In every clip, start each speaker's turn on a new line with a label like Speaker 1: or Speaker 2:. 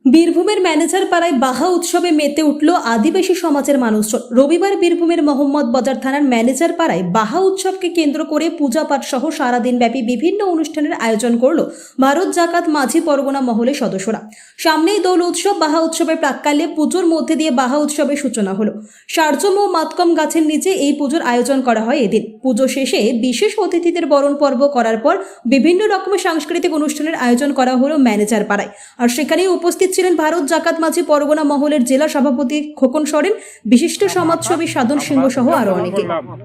Speaker 1: বীরভূমের ম্যানেজার পাড়ায় বাহা উৎসবে মেতে উঠল আদিবাসী সমাজের মানুষজন। রবিবার বীরভূমের মোহাম্মদ বাজার থানার ম্যানেজার পাড়ায় বাহা উৎসবকে কেন্দ্র করে পূজা পাঠ সহ সারাদিন ব্যাপী বিভিন্ন অনুষ্ঠানের আয়োজন করল ভারত জাকাত মাঝি পরগনা মহলের সদস্যরা। সামনেই দোল উৎসব। বাহা উৎসবের প্রাক্কালে পুজোর মধ্যে দিয়ে বাহা উৎসবের সূচনা হলো। সারজম ও মাতকম গাছের নিচে এই পুজোর আয়োজন করা হয় এদিন। পুজো শেষে বিশেষ অতিথিদের বরণ পর্ব করার পর বিভিন্ন রকমের সাংস্কৃতিক অনুষ্ঠানের আয়োজন করা হলো ম্যানেজার পাড়ায়। আর সেখানেই উপস্থিত ছিলেন ভারত জাকাত মাঝি পরগনা মহলের জেলা সভাপতি খোকন সরেন, বিশিষ্ট সমাজসেবী সাধন সিংহ সহ আরো অনেকে।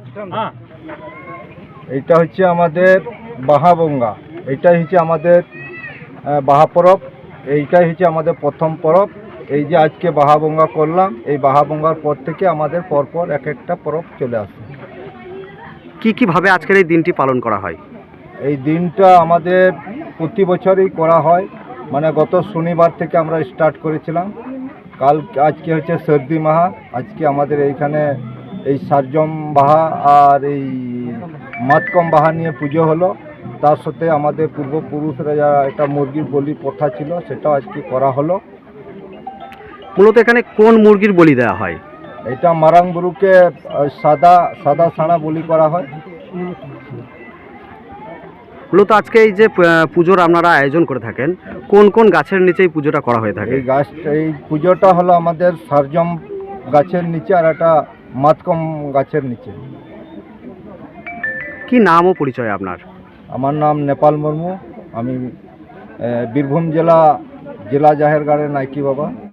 Speaker 2: এটা হচ্ছে আমাদের বাহাবঙ্গা, এইটাই হচ্ছে আমাদের বাহা পরব, এইটাই হচ্ছে আমাদের প্রথম পরব। এই যে আজকে বাহাবঙ্গা করলাম, এই বাহাবঙ্গার পর থেকে আমাদের পরপর এক একটা পরব চলে আসে।
Speaker 3: কিভাবে আজকের এই দিনটি পালন করা হয়?
Speaker 2: এই দিনটা আমাদের প্রতি বছরই করা হয়, মানে গত শনিবার থেকে আমরা স্টার্ট করেছিলাম। আজকে হচ্ছে সর্দি মাহা। আজকে আমাদের এইখানে এই সারজম বাহা আর এই মাতকম বাহা নিয়ে পুজো হলো। তার সাথে আমাদের পূর্বপুরুষরা যারা একটা মুরগির বলি প্রথা ছিল, সেটাও আজকে করা হলো।
Speaker 3: মূলত এখানে কোন মুরগির বলি দেওয়া হয়?
Speaker 2: এটা মারাংবুরুকে সাদা সাড়া বলি করা হয়।
Speaker 3: মূলত আজকে এই যে পুজোর আপনারা আয়োজন করে থাকেন, কোন কোন গাছের নিচে এই পুজোটা করা হয়ে থাকে?
Speaker 2: এই পুজোটা হলো আমাদের সারজম গাছের নিচে আর একটা মাতকম গাছের নিচে।
Speaker 3: কি নাম ও পরিচয় আপনার?
Speaker 2: আমার নাম নেপাল মুর্মু। আমি বীরভূম জেলা জাহেরগড়ের নাইকি বাবা।